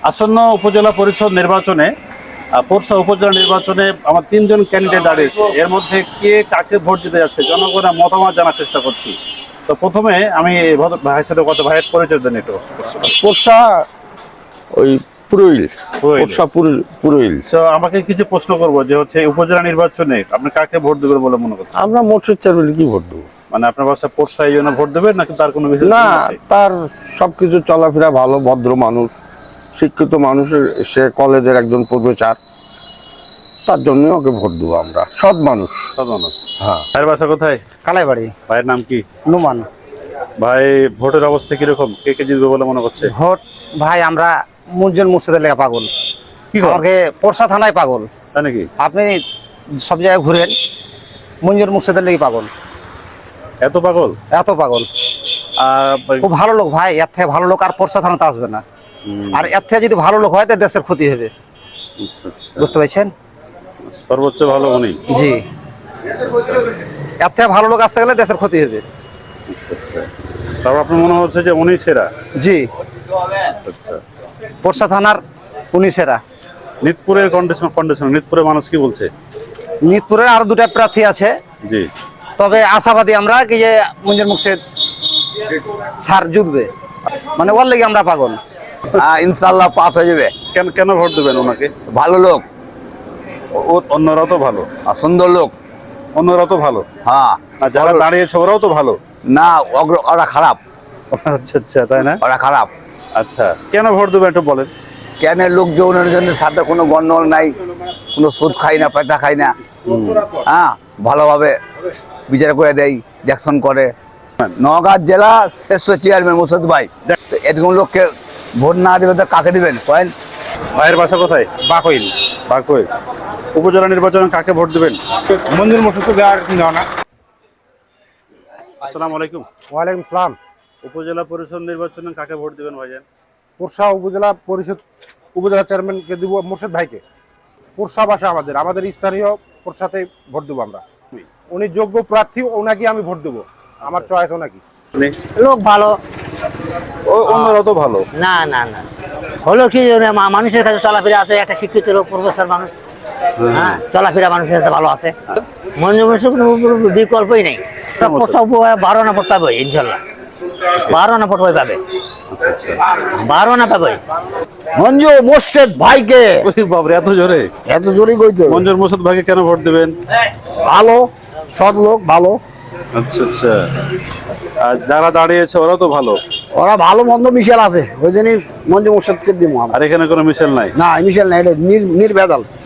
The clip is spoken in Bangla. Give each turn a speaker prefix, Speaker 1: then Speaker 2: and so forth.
Speaker 1: আসন্ন উপজেলা পরিষদ নির্বাচনে পোরশা উপজেলা নির্বাচনে আমার তিনজন ক্যান্ডিডেট দাঁড়িয়েছে। এর মধ্যে কে কাকে ভোট দিতে যাচ্ছে জনগণের মতামত জানার চেষ্টা করছি। তো প্রথমে আমি ভাইয়ের সাথে কত ভাইয়ের পরিচয় দেন একটু।
Speaker 2: পোরশা ওই পুরোইল
Speaker 1: পুরোইল।
Speaker 2: পোরশা পুরোইল।
Speaker 1: তো আমাকে কিছু প্রশ্ন করবো যে হচ্ছে উপজেলা নির্বাচনে আপনি কাকে ভোট দেবেন বলে মনে করছেন?
Speaker 2: আমরা মোটর চেয়ারম্যান কি ভোট দেবো?
Speaker 1: মানে আপনার বাসা পোরশা এই জন্য ভোট দেবেন নাকি তার কোনো বিশেষ
Speaker 2: না,
Speaker 1: কারণ আছে?
Speaker 2: তার সবকিছু চলাফেরা ভালো, ভদ্র মানুষ, শিক্ষিত মানুষের, সে কলেজের একজন প্রফেসর, তার জন্য ওকে ভোট দেবো আমরা। সৎ মানুষ।
Speaker 1: সাধারণত।
Speaker 2: হ্যাঁ।
Speaker 1: ভাইয়ের বাসা কোথায়?
Speaker 3: কালাইবাড়ি
Speaker 1: ভাইয়ের নাম কি?
Speaker 3: নুমান।
Speaker 1: ভাই ভোটের অবস্থা কিরকম, কে কে জিতবে বলে মনে করছে?
Speaker 3: ভোট ভাই আমরা মুনজন মুর্শিদের লেগে পাগল।
Speaker 1: কি করেন?
Speaker 3: আমাকে পোরশা থানায় পাগল।
Speaker 1: তাই নাকি?
Speaker 3: আপনি সব জায়গায় ঘুরেন, মুনজন মুর্শিদের লেগে পাগল।
Speaker 1: এত পাগল?
Speaker 3: এত পাগল। খুব ভালো লোক ভাই, এর থেকে ভালো লোক আর পোরশা থানাতে আসবে না। আর এর থেকে যদি ভালো লোক হয় তো দেশের ক্ষতি হবে, বুঝতে পারছেন?
Speaker 1: সর্বোচ্চ ভালো উনি।
Speaker 3: জি, এর থেকে ভালো লোক আসতে গেলে দেশের ক্ষতি হবে।
Speaker 1: আচ্ছা। তারপর আপনার মনে হচ্ছে যে উনি সেরা?
Speaker 3: জি,
Speaker 1: আচ্ছা।
Speaker 3: পোরশা থানার উনি সেরা।
Speaker 1: নিতপুরের কন্ডিশন নিতপুরের মানুষ কি বলছে?
Speaker 3: মিরপুরের আরো দুটা প্রার্থী আছে,
Speaker 1: জি।
Speaker 3: তবে আশাবাদী আমরা কি যে মুনজন মুর্শিদ স্যার জিতবে, মানে ওর লেগে আমরা পাগল।
Speaker 4: ইনশাল্লাহ পাস হয়ে যাবে।
Speaker 1: কেন কেন ভোট দেবেন ওনাকে?
Speaker 4: ভালো লোক
Speaker 1: অন্যরা তো ভালো।
Speaker 4: আর সুন্দর লোক।
Speaker 1: অন্যরা তো ভালো।
Speaker 4: হ্যাঁ,
Speaker 1: আর যারা দাঁড়িয়েছে ওরাও তো ভালো।
Speaker 4: না ওরা খারাপ,
Speaker 1: আচ্ছা তাই না?
Speaker 4: ওরা খারাপ।
Speaker 1: আচ্ছা, কেন ভোট দেবেন একটু বলেন।
Speaker 4: কেন? লোক যৌনের সাথে কোনো গন্ডগোল নাই, কোনো সুদ খাই না, পয়সা খাই না। হ্যাঁ, ভালোভাবে বিচার করে দেয়, দেখশন করে। নওগাঁ জেলা শ্রেষ্ঠ চেয়ারম্যান মুর্শিদ ভাই। এরকম লোককে ভোট না দেবে তো কাকে দিবেন কয়েন?
Speaker 1: ভাইয়ের বাসা কোথায়?
Speaker 3: বাকইল।
Speaker 1: বাকই। উপজেলা নির্বাচনে কাকে ভোট দেবেন?
Speaker 3: মঞ্জুর মুর্শিদ দেওয়ার না।
Speaker 1: আসসালামু আলাইকুম।
Speaker 3: ওয়ালাইকুম সালাম।
Speaker 1: উপজেলা পরিষদ নির্বাচনে কাকে ভোট দিবেন ভাইজান?
Speaker 5: পোরশা উপজেলা পরিষদ উপজেলা চেয়ারম্যানকে দিব মুর্শিদ ভাইকে। পোরশা বাসা আমাদের স্থানীয় পোরশাতে ভোট দেবো আমরা। উনি যোগ্য প্রার্থী, ওনাকে আমি ভোট দেবো। আমার চয়েস ওনাকে।
Speaker 6: লোক ভালো।
Speaker 1: অন্যরা তো ভালো।
Speaker 6: না না না, হলো কি মানুষের কাছে চলাফেরা আছে, একটা শিক্ষিত লোক, প্রফেসর মানুষ। হ্যাঁ, চলাফেরা মানুষের সাথে ভালো আছে। মঞ্জু মুর্শিদ কোনো বিকল্পই নেই। 12 আনা ভোট পাবে ইনশাল্লাহ। 12 আনা ভোট পাবে। 12 আনা পাবে।
Speaker 2: মঞ্জু মুর্শিদ ভাইকে।
Speaker 1: বাবরে, এত জোরে?
Speaker 2: এত জোরে কইতে?
Speaker 1: মঞ্জুর মুর্শিদ ভাইকে কেন ভোট দিবেন?
Speaker 2: ভালো, সৎ লোক, ভালো।
Speaker 1: আচ্ছা। আর যারা দাঁড়িয়েছে ওরা তো ভালো।
Speaker 2: ওরা ভালো মন্দ মিশেল আছে, ওই জন্যই মঞ্জু মুর্শিদকে দিব।
Speaker 1: আর এখানে কোনো মিশেল নাই?
Speaker 2: না, মিশেল নাই, এটা নির্ভেজাল।